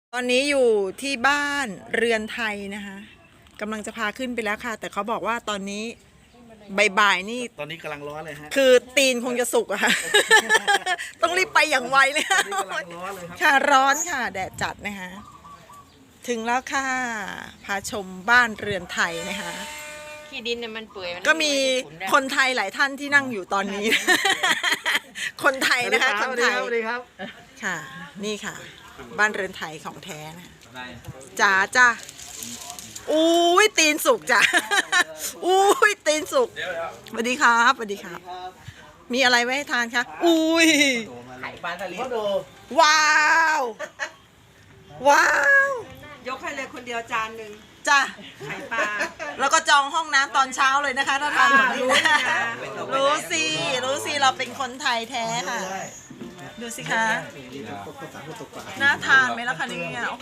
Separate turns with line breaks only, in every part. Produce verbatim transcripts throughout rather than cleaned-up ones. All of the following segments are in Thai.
ตอนนี้อยู่ที่บ้านเรือนไทยนะคะกำลังจะพาขึ้นไปแล้วค่ะแต่เขาบอกว่าตอนนี้บ่ายๆนี่
ตอนนี้กำลังร้อนเลยฮะ
คือตีนคงจะสุกอะค่ะ ต้องรีบไปอย่างไวเลยค่ะ
ตอนนี้กำลังร้อนเลยครับ
ค่ะร้อนค่ะแดดจัดนะคะถึงแล้วค่ะพาชมบ้านเรือนไทยนะคะ
ขี้ดินเนี่ยมันเปื่อย
ก็มีคนไทยหลายท่านที่นั่งอยู่ตอนนี้ คนไทยนะคะคนไทย
สวัสดีครับ
ค่ะนี่ค่ะบ้านเรือนไทยของแท้นะจ๋าจ้าอุ้ยตีนสุกจ้ะอุ้ยตีนสุกสวัสดีครับสวัสดีครับ มีอะไรไว้ให้ทานคะอุ้ย
ไข่ปลาสลิด
ว้าวว้าวย
กให้เลยคนเดียวจานหนึ่ง
จ้ะ
ไข่ปลา
แล้วก็จองห้องน้ำตอนเช้าเลยนะคะถ้าทานแบบนี้รู้สิรู้สิเราเป็นคนไทยแท้ค่ะดูสิคะน่าทานไหมล่ะคะเนี่ยโอ้โห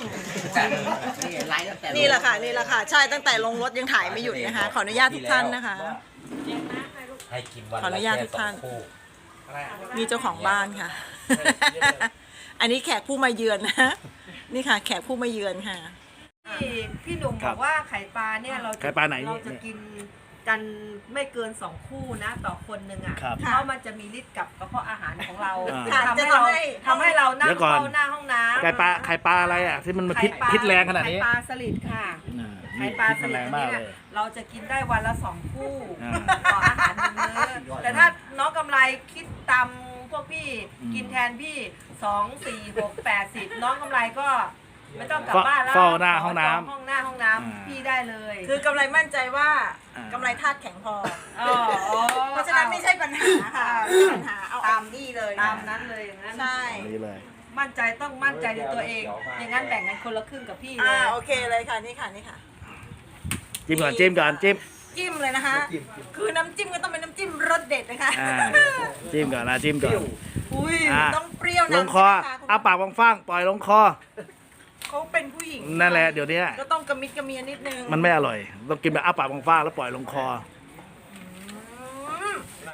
นี่แหละค่ะนี่แหละค่ะใช่ตั้งแต่ลงรถยังถ่ายไม่หยุดนะคะขออนุญาตทุกท่านนะคะขออนุญาตทุกท่านนี่เจ้าของบ้านค่ะ อันนี้แขกผู้มาเยือนนะนี่ค่ะแขกผู้มาเยือนค่ะ
พี่พี่หนุ่มบอกว่าไข่ปลาเนี่ยเราจะ
ไข่ปลาไหน
เราจะกินกันไม่เกินสองคู่นะต่อคนหนึ่งอ่ะ
ครับ
เพราะมันจะมีฤทธิ์กับกระเพาะอาหารของเรา
อ่า
ทำให้เราทำให้เรานั่ง
เดี๋ยวก่อน
เฝ้าหน้าห้องน้ำ
ไข่ปลาไข่ปลาอะไรอ่ะที่มันมาพิษ
ไข่ปลา
พิษแรงขนาดนี้
ไข่ปลาสลิดค่ะ
อ่า
ไข่ปลาส
พิษมัน
ลิ
แร
ด
งมาก
เนี่
เลย ย
เราจะกินได้วันละสองคู่
อ่า
ต่ออาหารหนึ่งมื้อแต่ถ้าน้องกำไรคิดตามพวกพี่
อืม
กินแทนพี่สองสี่หกแปดสิบน้องกำไรก็ไม่ต้องกลับบ้านแล้ว
เฝ้าหน้าห้องน้ำ
ขจห้องหน้าห้องน้
อ่า
ำพี่ได้เลย
คือกำไรมั่นใจว่า
อ่า
กำไรธาตุแข็งพอ
อ๋ออ๋อ
เพราะฉะนั้นไม่ใช่ปัญหาค่ะไม่ใช่ปัญหาเอาตามนี่เลย
ตามนั้นเลยอย่างนั้น
ใช่
นี่เลย
มั่นใจต้องมั่นใจในตัวเอง อย่างนั้นแบ่งกันคนละครึ่งกับพี่เล
อ่าย โอเคเลยค่ะนี่ค่ะนี่ค่ะ
จิ้มก่อนจิ้มก่อนจิ้ม
จิ้มเลยนะคะ คือน้ำจิ้มก็ต้องเป็นน้ำจิ้มรสเด็ดนะคะ
อ่าจิ้มก่อนนะจิ้มก่อน
อุ้ย
อ่า
ต้องเปรี้ยว
ล
นะ
งคอเอาปากฟ้างๆปล่อยลงคอ
เขาเป็นผู้หญิง
นั่นแหละเดี๋ยวนี้
ก็ต้องกระมิดกระเมียนิดนึง
มันไม่อร่อยต้องกินแบบอ้าปากฟ้างๆแล้วปล่อยลงคอ